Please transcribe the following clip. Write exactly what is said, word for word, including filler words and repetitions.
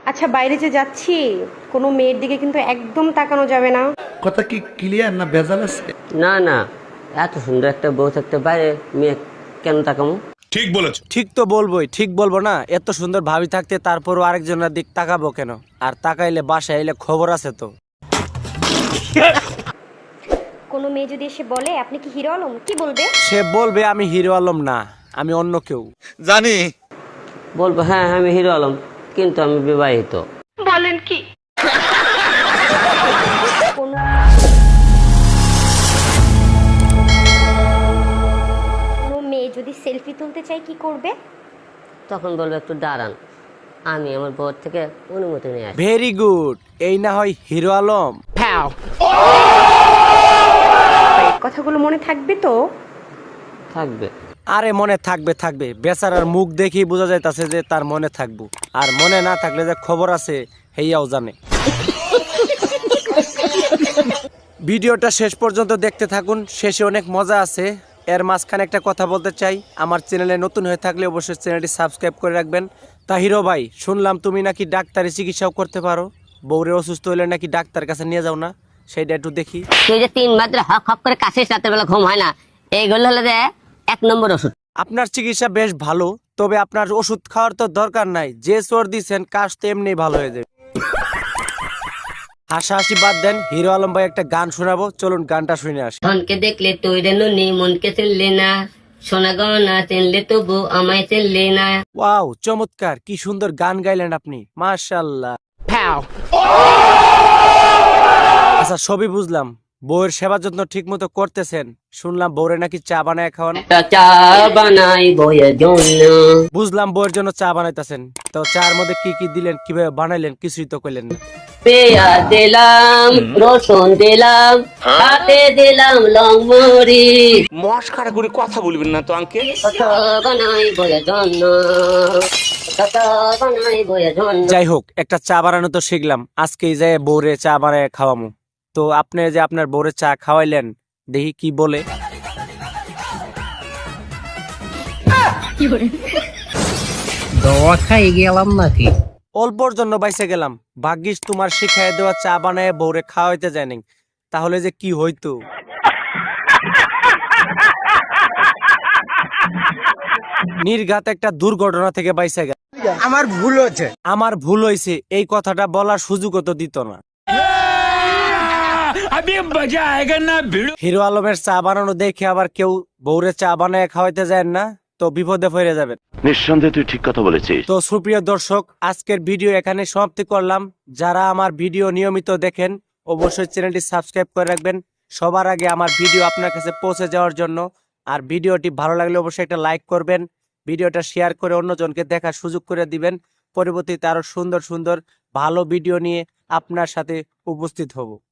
আচ্ছা, বাইরে যে যাচ্ছি কোনো মেয়ের দিকে কিন্তু একদম তাকানো যাবে না। কথা কি ক্লিয়ার না ভেজাল আছে? না না, এত সুন্দর একটা বউ থাকতে বাইরে মেয়ে কেন তাকামো? ঠিক বলেছো। ঠিক তো বলবোই, ঠিক বলবো না? এত সুন্দর ভাবি থাকতে তারপরও আরেকজনের দিক তাকাবো কেন? আর তাকাইলে বাসায় এলে খবর আছে তো। কোনো মেয়ে যদি এসে বলে আপনি কি হিরো আলম, কি বলবে? সে বলবে আমি হিরো আলম না, আমি অন্য কেউ। জানি। বলবো হ্যাঁ আমি হিরো আলম, কিন্তু আমি বিবাহিত। বলেন কি? কোনো কোনো মেয়ে যদি সেলফি তুলতে চায় কি করবে? তখন বলবো একটু দাঁড়ান, আমি আমার বউর থেকে অনুমতি নিয়ে আসি। ভেরি গুড, এই না হয় হিরো আলম। কথাগুলো মনে থাকবে তো? থাকবে। আরে মনে থাকবে থাকবে, বেচারার মুখ দেখেই বোঝা যাইতাছে যে তার মনে থাকবো। আর মনে না থাকলে যে খবর আছে হেয়াও জানে। ভিডিওটা শেষ পর্যন্ত দেখতে থাকুন, শেষে অনেক মজা আছে। এর মাঝখানে একটা কথা বলতে চাই, আমার চ্যানেলে নতুন হয়ে থাকলে অবশ্যই চ্যানেলটি সাবস্ক্রাইব করে রাখবেন। তা হিরো ভাই, শুনলাম তুমি নাকি ডাক্তারি চিকিৎসাও করতে পারো, বউরে অসুস্থ হইলে নাকি ডাক্তার কাছে নিয়ে যাও না, সেইটা একটু দেখি। তুই যে তিন মাত্র হক হক করে কাশিস, রাতের বেলা ঘুম হয় না, এইগুলো হলো যে এক নম্বর ওষুধ। আপনার চিকিৎসা বেশ ভালো, তবে আপনার ওষুধ খাওয়ার তো দরকার নাই, যে সর দিচ্ছেন কাশ তো এমনি ভালো হয়ে যাবে। হাসাহাসি বাদ দেন, হিরো আলম ভাই একটা গান শোনাবো, চলুন গানটা শুনে আসি। ধনকে দেখলে তুই রে নুনি, মনকে চিনলে না, সোনা গহনা চিনলে তবু আমায় চিনলে না। ওয়াও, চমৎকার, কি সুন্দর গান গাইলেন আপনি, মাশাআল্লাহ। আচ্ছা, সবই বুঝলাম, বউয়ের সেবা যত্ন ঠিক মতো করতেছেন, শুনলাম বউরে নাকি চা বানায় খাওয়ান। একটা চা বানাই বইয়ের জন্য। বুঝলাম বউয়ের জন্য চা বানাইতেছেন, তো চার মধ্যে কি কি দিলেন, কিভাবে বানাইলেন, কিছুই তো কইলেন না। পেঁয়াজ দিলাম, রসুন দিলাম, হাতে দিলাম লং মরিচ। মস্কারা করে কথা বলবেন না তো আঙ্কেল। কত বানাই বইয়ের জন্য, কত বানাই বইয়ের জন্য। যাই হোক, একটা চা বানানো তো শিখলাম, আজকেই যাই বউরে চা বানায় খাওয়ামু। তো আপনি যে আপনার বউরে চা খাওয়াইলেন, দেখি কি বলে। দোয়া খাই গেলাম নাকি? অল্পর জন্য বাইসে গেলাম, ভাগ্যিস তোমার শিখাই দেওয়া চা বানায় বউরে খাওয়াইতে যায়নি, তাহলে যে কি হইতো। নির্ঘাত একটা দুর্ঘটনা থেকে বাইসে গেল। আমার ভুল হচ্ছে। আমার ভুল হয়েছে, এই কথাটা বলার সুযোগও তো দিত না। হিরো আলমের চা বানানো দেখে আবার কেউ বউরে চা বানায় খাওয়াইতে যায় না, তো বিপদে পড়ে যাবেন। নিঃসন্দেহে তুই ঠিক কথা বলেছিস। তো সুপ্রিয় দর্শক, আজকের ভিডিও এখানে সমাপ্তি করলাম। যারা আমার ভিডিও নিয়মিত দেখেন অবশ্যই চ্যানেলটি সাবস্ক্রাইব করে রাখবেন, সবার আগে আমার ভিডিও আপনার কাছে পৌঁছে যাওয়ার জন্য। আর ভিডিওটি ভালো লাগলে অবশ্যই একটা লাইক করবেন, ভিডিওটা শেয়ার করে অন্যজনকে দেখার সুযোগ করে দিবেন। পরবর্তীতে আরো সুন্দর সুন্দর ভালো ভিডিও নিয়ে আপনার সাথে উপস্থিত হব।